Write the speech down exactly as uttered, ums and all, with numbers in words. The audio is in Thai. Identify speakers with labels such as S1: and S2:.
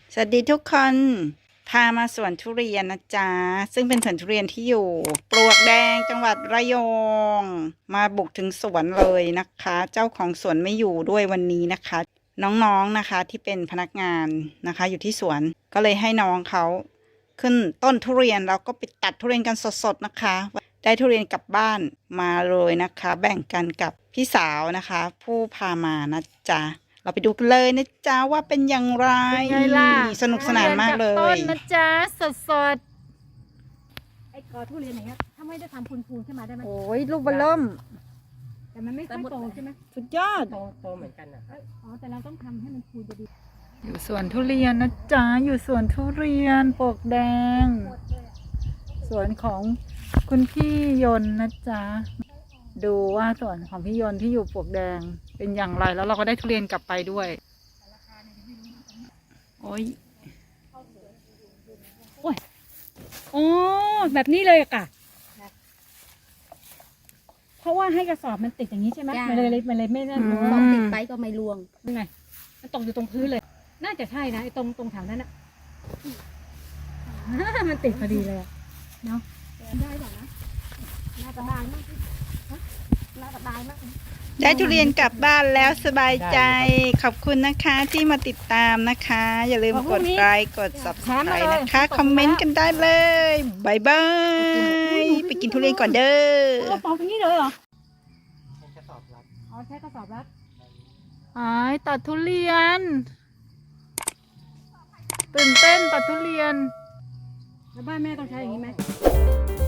S1: สวัสดีทุกคนพามาสวนทุเรียนนะจ๊ะซึ่งเป็นสวนทุเรียนที่อยู่ปลวกแดงจังหวัดระยองมาบุกถึงสวนเลยนะคะ เจ้าของสวนไม่อยู่ด้วยวันนี้นะคะ น้องๆนะคะที่เป็นพนักงานนะคะอยู่ที่สวนก็เลยให้น้องเขาขึ้นต้นทุเรียนแล้วก็ไปตัดทุเรียนกันสดๆนะคะได้ทุเรียนกลับบ้านมาเลยนะคะ แบ่งกันกับพี่สาวนะคะ ผู้พามานะจ๊ะเราไปดูกันเลยนะจ๊ะว่าเป็นอย่างไร
S2: เป็นไงล่ะ
S1: สนุกสนานมากเล
S2: ทุรีนจต้
S1: ย
S2: นนะจ๊ะสดสดไอ้กอทุเรียนอย่างเงี้ยถ้าไม่ได้ทำพูนๆขึ้นมาได้ไหม
S1: โอ้ยลูกบอลล่ม
S2: แต่มันไม่ค่อยโตใช่ไหม
S1: สุดยอด
S3: โตโตเหมือนกันนะครับ
S2: อ๋อแต่เราต้องทำให้มันพูนจะดี
S1: อยู่สวนทุเรียนนะจ๊ะอยู่สวนทุเรียนปลวกแดง สวนของคุณพี่ยนต์นะจ๊ะดูว่าสวนของพี่ยนต์ที่อยู่ปลวกแดงเป็นอย่างไรแล้วเราก็ได้ทุเรียนกลับไปด้วยโอ้ย
S2: อ๋อแบบนี้เลยอะค่ะเพราะว่าให้กระสอบมันติดอย่างนี้ใช่ไหม
S4: จ้ะ
S2: มันเลยมันเลยไม่นั่น
S1: อืม
S4: พอติดไปก็ไม่รวง
S2: ยังไงมันตกอยู่ตรงพื้นเลย น่าจะใช่นะไอ้ตรงตรงแถวนั้นอะ มันติดพอดีเลยอะเนาะได้ป่ะนะน่าจะได้มากน่าจะได้มาก
S1: ได้ทุเรียนกลับบ้านแล้วสบายใจขอบคุณนะคะที่มาติดตามนะคะ อย่าลืมกดไลค์กด ซับสไครบ์ นะคะ คอมเมนต์กันได้เลยบายบายไปกินทุเรียนก่อนเด้
S2: โอ้
S1: อ
S2: ปอกตรงนี้เลยเหรอ
S3: เป็นกระสอบรัด
S2: อ๋อใช้กระสอบรัด
S1: อ๋อตัดทุเรียน ตื่นเต้นตัดทุเรียน
S2: แล้วบ้านแม่ต้องใช้อย่างนี้ไหม